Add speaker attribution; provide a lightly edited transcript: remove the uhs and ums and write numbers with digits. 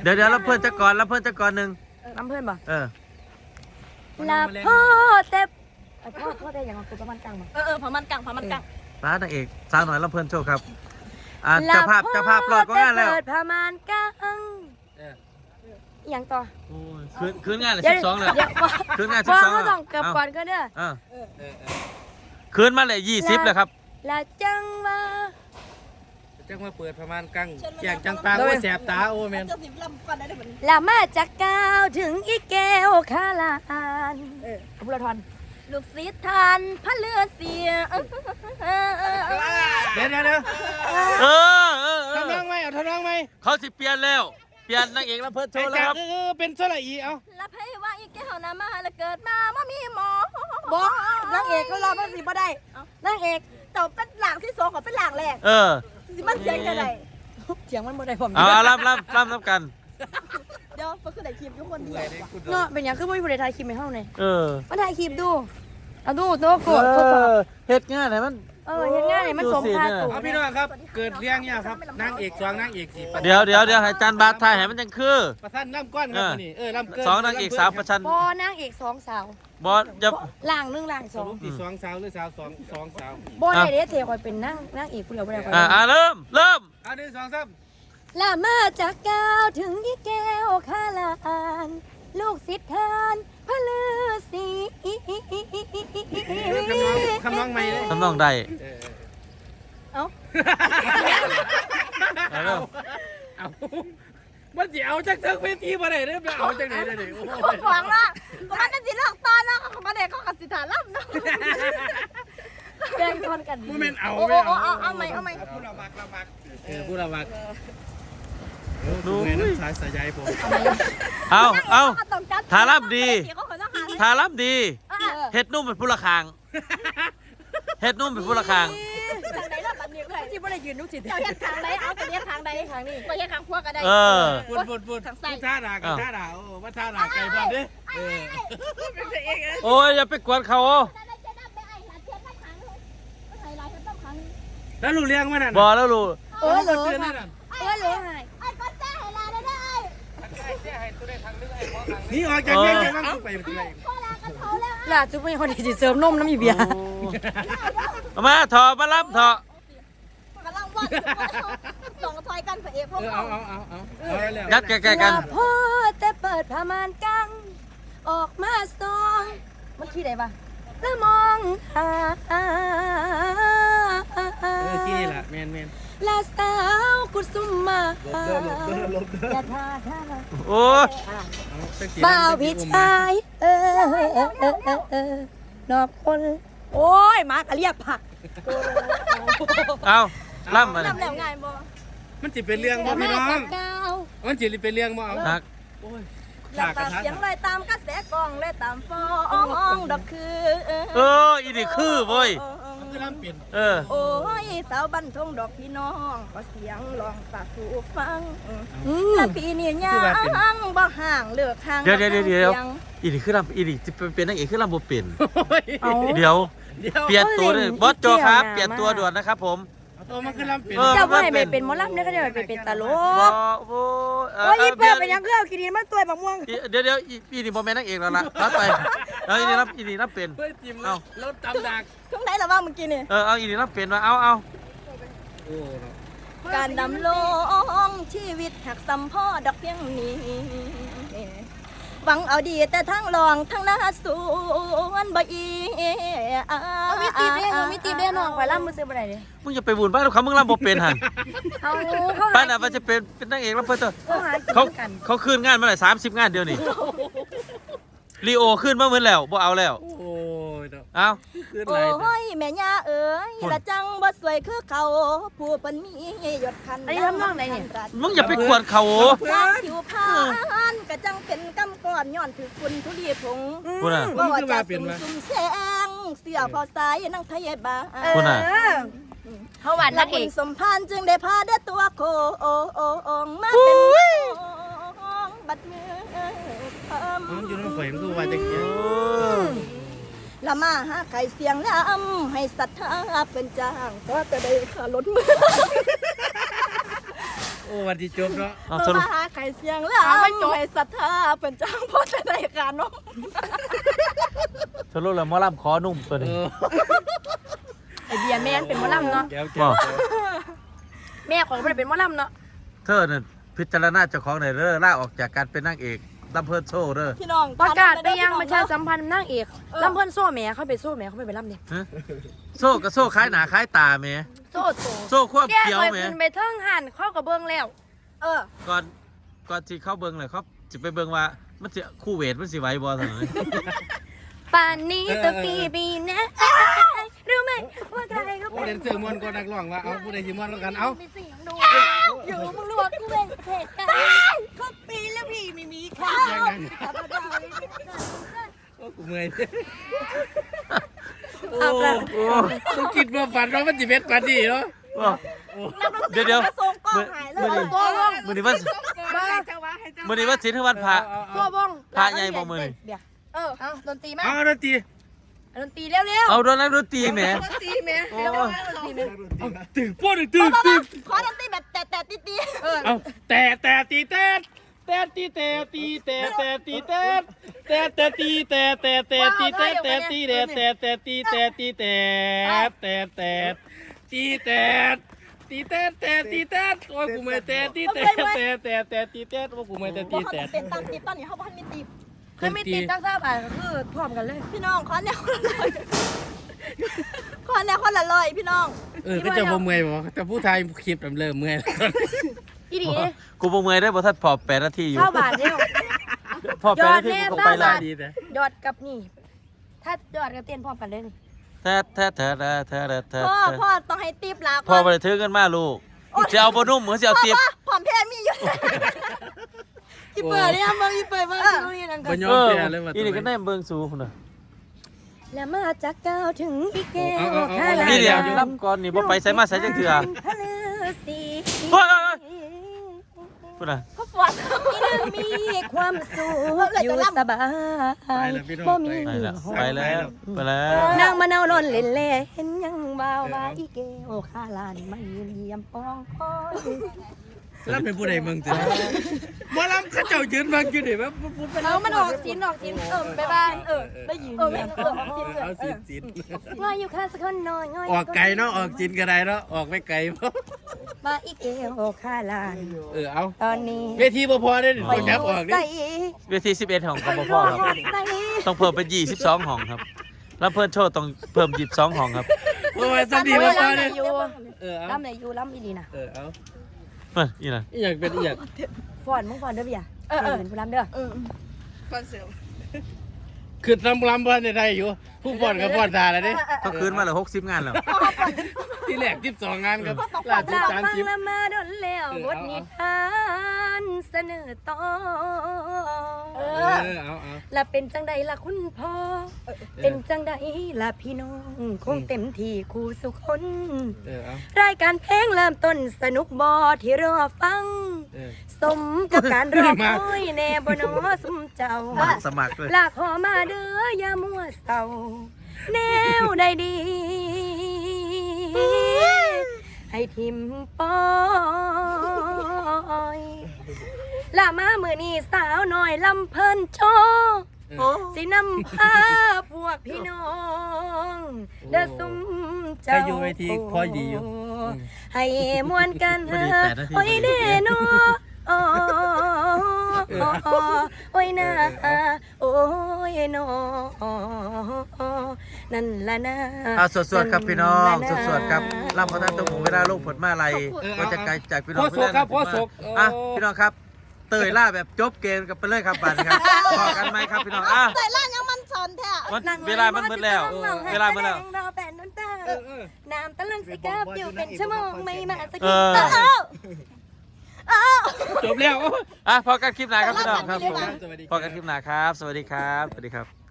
Speaker 1: เดี๋ยวรับเพื่อนจะก่อนรับเพื่อนจะก่อนหนึ่ง
Speaker 2: น้ำเพื่อนบ่ลาพ่อแต่พ่อแต่อย่างตัวประมาณกลางบ่ประมาณกลาง
Speaker 1: ร้านนางเอกสาวหน่อยรับเพื่อนโชว์ครับเจ้าภาพรอดก็งานแล้ว
Speaker 2: เปิดประมาณกลางอย่างต่อ
Speaker 1: คืนงานเลย12เลยคืนงาน12
Speaker 2: เขาต้องกลับก่อนก็เด้อ
Speaker 1: คืนมาเลย20เลยครับ
Speaker 2: ละจังว่า
Speaker 3: เปิดประมาณกลางแจงจังปางว่าแสบตาโอ้แมน
Speaker 2: ละมาจากกาวถึงอีแก้วคาลานขบุรทอนลูกศิษย์ทานพระเลือเสีย
Speaker 3: เดี๋ยวทำน้องไหมเอาทำน้องไหม
Speaker 1: เขาสิเปลี่ยนแล้วเปลี่ยนนางเอกรับเพื่อนโชว์แล้วครับ
Speaker 3: เป็นโซลาอีเอา
Speaker 2: รับให้ว่าอีแก้วน้ำมาแล้วเกิดมาว่ามีหมอบอกนางเอกเขารอมันสิบ่ได้นางเอกแต่เป็นหลังที่2ของเป็นหลังแรกสิมันเสียงกันได้เสียงมันบ่ได้ผม
Speaker 1: รับกัน
Speaker 2: เดี๋ยวมันคือได้คลิปทุกคนเดียวเนาะเป็นอย่างคือไม่มีผู้ใดถ่ายคลิปให้เฮาเลยมาถ่ายคลิปดูเอาดูโต๊ะกดทดสอบ
Speaker 1: เฮ็ดง่ายไหนมัน
Speaker 2: เฮ็ดง่ายไหนมันสมค่าตัว
Speaker 3: พี่น้องครับเกิดเรื่องเนี่ยครับนางเอก2นางเอก4
Speaker 1: เดี๋ยวให้จานบาทถ่ายให้มันจังคือ
Speaker 3: ประชันล่ำก้อนครับนี่ล่ำเกิน
Speaker 1: 2นางเอก3ประชัน
Speaker 2: บ่นางเอก2สาว
Speaker 1: บ่จะ
Speaker 2: ล่าง1ล่าง2
Speaker 3: ที่2สาวหรือสาว2สาว
Speaker 2: บ่ได้เด้เทคอยเป็นนางเอกผู้เดียวบ่ได้ค่อย
Speaker 1: เริ่ม
Speaker 3: 1 2 3
Speaker 2: ละมาจากกาวถึงอีแก้วคาลานลูกศิษย์ทานพระฤาษี
Speaker 3: คำน้องใหม่เลย
Speaker 1: คำน้องใด
Speaker 2: เอา
Speaker 3: มันจะเอาจากเทิงเวทีมาไหนเนี่ยเอาจากไหนได้โอ้
Speaker 2: โหหวังละก็มันจะสิเลือกตอนเนาะมาเด็กก็กับสิฐานรับเนาะแบ่งคนกัน
Speaker 3: โมเมนต์เอา
Speaker 2: ไหม
Speaker 3: ผู้ละมักดูไงน้ำสายสายใยผม
Speaker 1: เอาทารับดีเฮ็ดนุ่มเป็นผู้ละคางเฮ็ดนุ่มเป็นผู้ละคาง
Speaker 2: ทางไหนล่ะบัดนี้ก็ได้ที่บ่ได้ยืนนุกจิตเจ้าเฮ็ดทางไหนเอาไปเฮ็ดทางใดทางนี้ไปเฮ็ดทางพวกก็ได้
Speaker 3: พูดทางซ้ายท่าด่ากันท่าด่าโอ้ว่าท่าด่าไก่บ้านดิ
Speaker 1: โอ้ยอย่าไปกวนเขา
Speaker 3: แล้วลูกเลี้ยงมันน่ะ
Speaker 1: บ่แล้วลูก
Speaker 2: รู้ให้ก็แซ่ให้ลาได้
Speaker 3: นี่ออกจากเลี้ยงจะต้องไปที่ไหน
Speaker 2: ล่ะจุ๊บไม่คนที่เสริมนมน้ำอีเบีย
Speaker 1: มาถอมารับถ
Speaker 2: อกำลังว่าสองถอยกันพระเอกพวกเรา
Speaker 1: ยัดแก่กัน
Speaker 2: พ่อแต่เปิดผ้าม่านกังออกมาซองมันขี้ได้ปะแล้วมองหา
Speaker 3: ที่นี่แหละแมน
Speaker 2: ลาสาวกุสุมมาอย่าท่า
Speaker 1: โอ้
Speaker 2: บ่าวพี่ชายนอกคนโอ้ยมากระเรียบผัก
Speaker 1: เอาล่ำมา
Speaker 2: ล่ำแล้วง่ายบ่
Speaker 3: มันจะเป็นเรื่องบ่พี่น้องมันจะเป็นเรื่องบ่เอา
Speaker 2: แล้วตามเสียงเลยตามกระแสกองเลยตามฟองดอกคือ
Speaker 1: อีนี่คือเว้ย
Speaker 2: โอ้ยสาวบันทงดอกพี่น้องก็เสียงลองฝากผู้ฟังแล้วพี่นี่ยังบ่ห่างเลือกห่าง
Speaker 1: เดี๋ยวอีนี่คือลำอีนี่จะเป็นนางเอกคือลำบ่เป็นเดี๋ยวเปลี่ยนตัวเลยบอสโจครับเปลี่ยนตัวด่วนนะครับผม
Speaker 3: ตัวมันคือลำเป็น
Speaker 2: เจ้าว่าให้เป็นหมอลำเนี่ยก็จะเป็นตลกโอ้ยเปิดเป็นยังเล่ากินมันตัวบักม่วง
Speaker 1: เดี๋ยวอีนี่โมเมนต์นางเอกแล้วล่ะรับไปอีนี่รับเป็น
Speaker 3: เอารถตำดัก
Speaker 2: ช่วงไหนล่ะว่าเมื่อกี้นี่
Speaker 1: เอาอีนี่รับเป็นมาเอา
Speaker 2: การดำลงชีวิตหักสัมพ่อดอกเพียงนี้หวังเอาดีแต่ทั้งลองทั้งหน้าสวนบ่อีมีตีเด้น้องไปล่ำมือซื้อบ่ได้เด้
Speaker 1: มึงอย่าไปบุญบ้านเขามึงล่ำบ่เป็นหันบ้านน่ะมันจะเป็นนางเอกแล้วเพิ่นเขาคืนงานมาหลาย30 งานเดียวนี่ลีโอขึ้นมาเหมือนแล้วบ่เอาแล้ว
Speaker 3: โอ้ย
Speaker 1: เอา
Speaker 2: โอ้ยแม่ย่าเอ๋ยละจังบ่สวยคือเขาผู้เพิ่นมียศคันอันนี้ทำนองไหนเนี่ย
Speaker 1: มึงอย่าไปกวนเขา
Speaker 2: ผิวพรรณกะจังเป็นกำก้อนย้อนถือคุณทุลีผงบ่ว่าจะซุ่มแสงเสื้อพอสายนางไทยบ้าเฮาหวานนักเอกสมพานจึงได้พาเด้อตัวโคมาเป็นบัดมือ
Speaker 3: มันอยู่ในฝ่ายมันคือว่าจะเกี่ยว
Speaker 2: ละมาหาไข่เสียงล้ำให้ศรัทธาเป็นจ้างก็จะได้ขารถมือ
Speaker 3: โอ้วันที่จบเนาะ
Speaker 1: เอา
Speaker 2: เอ
Speaker 1: ส
Speaker 2: อ
Speaker 1: รุป
Speaker 2: มาหาไข่เสียงแล้วไม่จบให้ศรัทธาเป็นจ้างพ่อจะได้การน้อง
Speaker 1: สรุปแล้วหมอลำขอนุ่มตัวนี้
Speaker 4: ไอเบียร์แม่นเป็นหมอลำเนาะ
Speaker 3: แก้ว
Speaker 1: บ่
Speaker 4: แม่ของมันเป็นหมอลำเนาะ
Speaker 1: เธอเนี่ยพิจารณาเจ้าของหน่อยเด้อลาออกจากการเป็นนางเอกลำเพิ่นโซ่เด้อ
Speaker 2: พี่น้อง
Speaker 4: ประกาศไปยังประชาสัมพันธ์นางเอกลำเพิ่นโซ่แม่เขาไปโซ่แม่เขาไปลำเนี่ย
Speaker 1: ฮะโซ่กับโซ่คล้ายหนาคล้ายตาแหม่
Speaker 4: โซ่โต
Speaker 1: โซ่ควบ
Speaker 4: แก้
Speaker 1: เขียว
Speaker 4: ไป
Speaker 1: แหม่
Speaker 4: ขึ้นไปเทิงหันเข้ากับเบิ้งแล้ว
Speaker 1: ก่อนที่เข้าเบิ่งเลยครับสิไปเบิ่งว่ามันสิคู่เวทมันสิไหวบ่ซั่นน่ะ
Speaker 4: ป่านนี้ตัวปีนะรู้ไหมว่าใครเขา
Speaker 3: โอ้
Speaker 4: เป็น
Speaker 3: เล่นเสือมวนก็นักร้องว่าเอาผู้ใดสิมวนแล้วกันเอา
Speaker 4: มีเสียงดูอยู่มึงรู้ว่ากูเป็นเหตุการณ์เขาปีแล้วพี่ไม่มีค่ะ
Speaker 3: ยังไงโอ้กูเมื่อยโอ้กูคิดว่าฝันว่ามันสิเป็นปานนี้เนาะ
Speaker 1: เดี๋ยว
Speaker 2: มาส่งกล้องหายเลย
Speaker 1: มื้อนี้ว่ามื้อนี้ว่าศีลคือวันพระ
Speaker 4: ตัววง
Speaker 1: พระใหญ่บ่มื้อนี้
Speaker 4: เดี๋ยวเอาดนตรีไหม
Speaker 3: เอาดนตรี
Speaker 4: ดนตรีเร็ว
Speaker 1: เอาโดนนักดนตรีแหม
Speaker 4: ดนตรีไหม
Speaker 1: โอ้
Speaker 3: ตึกป้อนตึก
Speaker 2: ขอดนตรีแบบแต่ตีตี
Speaker 3: เอาแต่ตีเต้แต่ตีแต่ตีแต่แต่ตีแต่แต่แต่ตีแต่แต่แต่ตีแต่แต่ตีแต่แต่แต่ตีแต่ตีแต่แต่แต่ตีแต่ตีแต่แต่ตีแต่โอ้กูไม่แต่ตีแต่แต่แต่แต่ตีแต่โอ้กูไม่แต่ตี
Speaker 2: เขา
Speaker 3: แต่
Speaker 2: เป็นตามตีตอนนี้เขาบอกให้มีตี
Speaker 4: เคยไม่ติดตั้งทราบอ่ะคือพร้อมกันเลย
Speaker 2: พี่น้องขอแนวคนละลอยขอแนวคนละลอยพี่น้อง
Speaker 3: ก็จะบ่เมื่อยบ่แต่ผู้ไทยคลิปเริ่มเมื่อย
Speaker 4: อีดี
Speaker 1: กูบ่เมื่อยได้บ่ทันพอ8นาทีอยู่
Speaker 4: เข้าบาทเร็ว
Speaker 1: พอ8นาทีกูไปแล้ว
Speaker 3: ดีแต่
Speaker 4: ยอดกับนี่ ถ้ายอดกับเต้นพร้อมกันเลยนี่
Speaker 1: แท้
Speaker 2: พ่อต้องให้ตีบลา
Speaker 1: พอบ่ได้ถือกันมาลูกสิเอาบ่นุ่มหรือสิเอาเตียบ
Speaker 2: ผอมแพ้มีอยู่
Speaker 4: อีเปิดเนี่ยมึงอีเปิดมึงดูนี่นั่นกั
Speaker 3: บ่
Speaker 4: น
Speaker 3: ยอมแพ้เลยว่า
Speaker 1: อีนี่ก็แนมเบิ่งสูพุ่นน่ะ
Speaker 4: แล้วมาจากก้าวถึงอีแก้ว
Speaker 1: นี่เดี๋ยวรับก่อนนี่บ่ไปไสมาไสจังเทื่อ
Speaker 4: พะลือสี
Speaker 1: เฮ้ยพุ่นน่ะ
Speaker 2: เขาปวด
Speaker 4: มีความสุขอยู่สบายบ่มี
Speaker 1: ไปแล้วไปแล้ว
Speaker 4: นางมะนาวนอนเล่นเล่เห็นยังบ่าวว่าอีแก้วข้าลานมายืนเยี่ยมปองคอย
Speaker 3: แล้วเป็นผู้ใดเมืองจ้ะบ่ลำเขาเจ้ายืนบังอยู่นี่แบบ
Speaker 4: เอามันออกสินไปบ้าน
Speaker 2: ได้ยิน
Speaker 3: เอาสิน
Speaker 4: ว่าอยู่ข้าสักคนน้อย
Speaker 3: ออกไกลเนาะออกจินก็ได้เนาะออกไม่ไกลบ่
Speaker 4: มาอีแก้วข้าลาน
Speaker 3: เอา
Speaker 4: ตอนนี้
Speaker 3: เวทีบ่พอได้ต้องยับออกดิ
Speaker 1: เวที11ห้องก็บ่พอครับต้องเพิ่มเป็น22ห้องครับแล้วเพิ่นโชว์ต้องเพิ่ม22ห้องครับ
Speaker 3: โอ้ยสันดีบ่พอ
Speaker 4: ลำไหน
Speaker 3: เด้
Speaker 4: อยู่
Speaker 3: เอา
Speaker 4: ลำไหนอยู่ลำอีดีนะ
Speaker 3: เอา
Speaker 1: อีน่ะ
Speaker 3: อีหยังเป็นอีหยัง
Speaker 4: ฟอนมึงฟอนเด้อพี่อ่ะเป็นผู้ลำเด้อ
Speaker 3: คือลำบ่ได้อยู่ผู้ฟ้อนก็ฟ้อนตาแล้วเด้
Speaker 1: ก็คืนมาแล้ว60งานแล้ว
Speaker 3: ที่แรก12งานครับล่าสุด
Speaker 4: เราฟัง
Speaker 3: 30
Speaker 4: ละมาดนแล้วบทนิทานเสนอต่อ
Speaker 3: เอา
Speaker 4: และเป็นจังใดล่ะคุณพ่อเป็นจังใดล่ะพี่น้องคงเต็มที่คู่สุคน
Speaker 3: เอา
Speaker 4: รายการเพลงเริ่มต้นสนุกบอที่รอฟัง สมกับการรอคอยแน่บนอสมเจ้า
Speaker 1: สมัครเลย
Speaker 4: ลากขอมาเด้ออย่ามัวเศร้าแนวใดดี ให้ทิมปอยลามามือนี้สาวน้อยลำเพิ่นโชว์สินำพาพวกพี่น้องเด้อซุ่มเจ้า
Speaker 3: ใครอยู่เวทีพอดีอยู่
Speaker 4: ให้มวนกันเถอะโอ้ยเด้นอโอ้ยนะโอ้ยนอนั่นละนะ
Speaker 1: สวดๆครับพี่น้องสวดๆครับลำพระท่านต้องหมูเวลาลูกผลมาอะไรก็จะไกลจากพี่น้องพี่น้องพี่น้องครับเตยล่าแบบจบเกมกันไปเลยครับบัดครับพอกันไหมครับพี่น้อง
Speaker 2: ใส่ล่างยังมันสนแท้
Speaker 1: เวลามันหมดแล้วเวลาหมดแล้ว
Speaker 4: น้ำตะลึงสิกับอยู่เป็นชั่วโมงไม่มาสัก
Speaker 1: เอ
Speaker 4: ที
Speaker 1: อ
Speaker 3: จบแล้ว
Speaker 1: พอกันคลิปหน้าครับพี่น้องครับ
Speaker 3: สวัสดี
Speaker 1: พอกันคลิปหน้าครับ สวัสดีครับ สวัสดีครับ